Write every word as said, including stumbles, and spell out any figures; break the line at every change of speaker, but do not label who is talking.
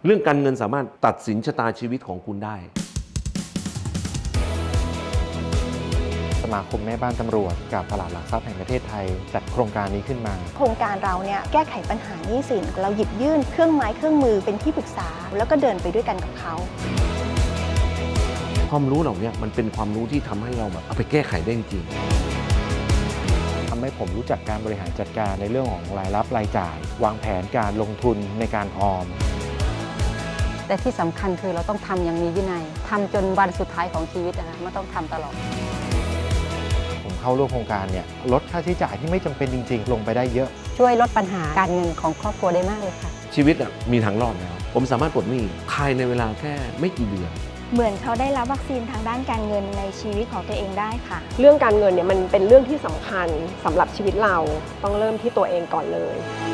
เรื่องการเงินสามารถตัดสินชะตาชีวิตของคุณได้
สมาคมแม่บ้านตำรวจกับตลาดหลักทรัพย์แห่งประเทศไทยจัดโครงการนี้ขึ้นมา
โครงการเราเนี่ยแก้ไขปัญหาหนี้สินเราหยิบยื่นเครื่องไม้เครื่องมือเป็นที่ปรึกษาแล้วก็เดินไปด้วยกันกับเขา
ความรู้เหล่านี้มันเป็นความรู้ที่ทำให้เราแบบเอาไปแก้ไขได้จริง
ทำให้ผมรู้จักการบริหารจัดการในเรื่องของรายรับรายจ่ายวางแผนการลงทุนในการออม
แต่ที่สำคัญคือเราต้องทำอย่างมีวินัยทำจนวันสุดท้ายของชีวิตนะมันต้องทำตลอด
ผมเข้าร่วมโครงการเนี่ยลดค่าใช้จ่ายที่ไม่จำเป็นจริงๆลงไปได้เยอะ
ช่วยลดปัญหาการเงินของครอบครัวได้มากเลยค่ะ
ชีวิตมีทางรอดแล้วผมสามารถปลดหนี้ภายในเวลาแค่ไม่กี่เดือน
เหมือนเขาได้รับวัคซีนทางด้านการเงินในชีวิตของตัวเองได้ค่ะ
เรื่องการเงินเนี่ยมันเป็นเรื่องที่สำคัญสำหรับชีวิตเราต้องเริ่มที่ตัวเองก่อนเลย